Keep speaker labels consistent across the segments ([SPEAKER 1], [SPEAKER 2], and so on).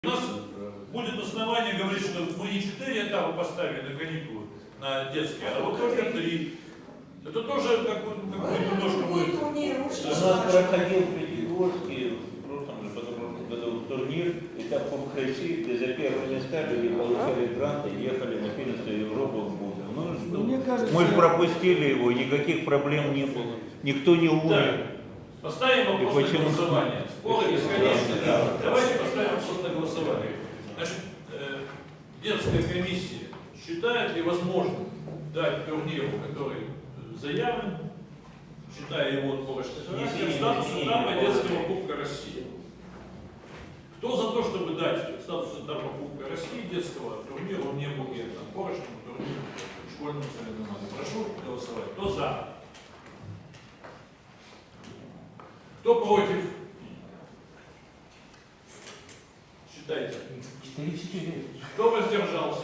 [SPEAKER 1] У нас будет основание говорить, что мы не 4 этапа поставили на каникулы, на детские, а вот только 3. Это тоже немножко будет.
[SPEAKER 2] У нас проходил в Пятигорске в прошлом же году турнир, этап Кубка России, где за первые места люди получали гранты, ехали на первенство Европы в Будду. Ну,
[SPEAKER 3] мне кажется,
[SPEAKER 2] мы же пропустили его, никаких проблем не было, никто не умер.
[SPEAKER 1] Поставим вопрос на голосование. Споры бесконечные.
[SPEAKER 2] Да.
[SPEAKER 1] Давайте поставим вопрос на голосование. Значит, детская комиссия считает ли возможным дать турниру, который заявлен, считая его отборочной характер, статус этапа детского Кубка России? Кто за то, чтобы дать статус этапа Кубка России детского турниру не будет отборочному турниру школьному соревнованию? Прошу голосовать. Кто за? Кто против? Считайте.
[SPEAKER 3] 4-4.
[SPEAKER 1] Кто воздержался?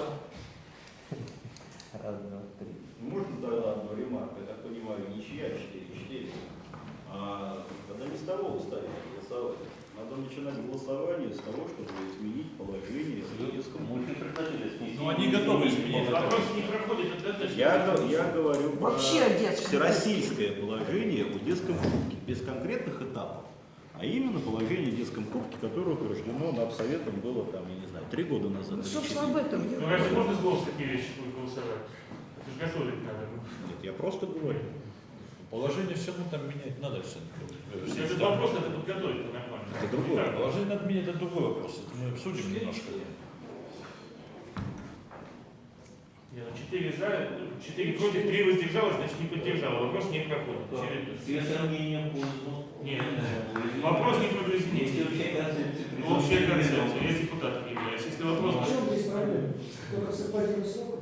[SPEAKER 2] Раз, два, три.
[SPEAKER 4] Можно тогда одну ремарку? Я так понимаю, ничья 4-4. Когда не с того ставить голосовать. Надо начинать голосование с того, чтобы изменить положение в детском
[SPEAKER 2] Мы же предложили снести.
[SPEAKER 1] Ну, они готовы изменить. Вопрос не проходит.
[SPEAKER 4] Я говорю про
[SPEAKER 2] Вообще о детском.
[SPEAKER 4] всероссийское положение о детском кубке, без конкретных этапов, а именно положение о детском кубке, которое утверждено Напсоветом было там, я не знаю, 3 года назад.
[SPEAKER 2] Ну,
[SPEAKER 4] или
[SPEAKER 2] собственно,
[SPEAKER 4] 4.
[SPEAKER 2] об этом я
[SPEAKER 5] Ну разве можно с голоса такие вещи будет голосовать? Это же готовить надо.
[SPEAKER 4] Нет, я просто говорю.
[SPEAKER 1] Положение все равно там менять надо все.
[SPEAKER 5] Этот вопрос надо подготовить нормально.
[SPEAKER 4] Это другое.
[SPEAKER 5] Так,
[SPEAKER 1] Положение надо менять, это другой вопрос. Это мы обсудим немножко.
[SPEAKER 5] Не, ну 4 за, 4 против, 3 воздержалось, значит не поддержало. Вопрос не проходит. Очевидно.
[SPEAKER 2] Все сомнения пользу.
[SPEAKER 5] Нет, вопрос не прогресс. Общая концепция. Я депутатом являюсь. Если вопрос...
[SPEAKER 3] В чем здесь проблема? Только совпадение сроков?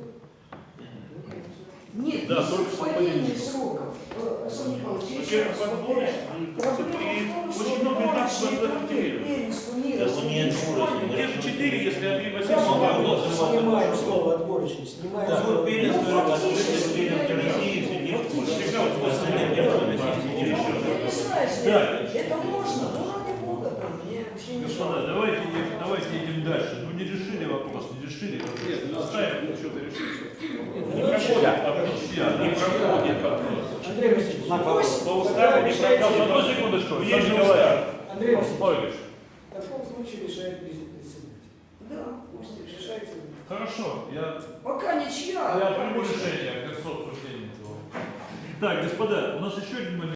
[SPEAKER 2] Нет,
[SPEAKER 4] Да,
[SPEAKER 2] не
[SPEAKER 4] только
[SPEAKER 2] совпадение сроков. Александр Михайлович, еще раз повторяю. Проблема в том, что
[SPEAKER 5] очень много этапов в
[SPEAKER 2] общий
[SPEAKER 5] этом
[SPEAKER 2] турнир
[SPEAKER 5] деле.
[SPEAKER 2] первенства мира. Да, ну, нет,
[SPEAKER 5] Где же 4, если Андрей
[SPEAKER 3] Да,
[SPEAKER 5] Васильевич...
[SPEAKER 3] снимаем слово отборочный, снимаем
[SPEAKER 2] Да,
[SPEAKER 3] слово.
[SPEAKER 2] вот первенство России, все девушки. Это можно, но ради Бога, там, мне вообще не
[SPEAKER 1] Господа, давайте идем дальше. Ну не решили вопрос, не решили. Оставим.
[SPEAKER 5] Не проходит вопрос.
[SPEAKER 3] Андрей Васильевич,
[SPEAKER 5] По уставу не проходит.
[SPEAKER 1] Одну секундочку.
[SPEAKER 5] Есть же
[SPEAKER 1] Николаевич.
[SPEAKER 5] устав.
[SPEAKER 3] Андрей Васильевич,
[SPEAKER 1] Ольгович.
[SPEAKER 3] в таком случае решает председатель.
[SPEAKER 2] Да, пусть
[SPEAKER 3] Решайте.
[SPEAKER 1] Хорошо, я
[SPEAKER 2] пока ничья.
[SPEAKER 1] приму решение к концу обсуждения этого. Так, господа, у нас еще один момент.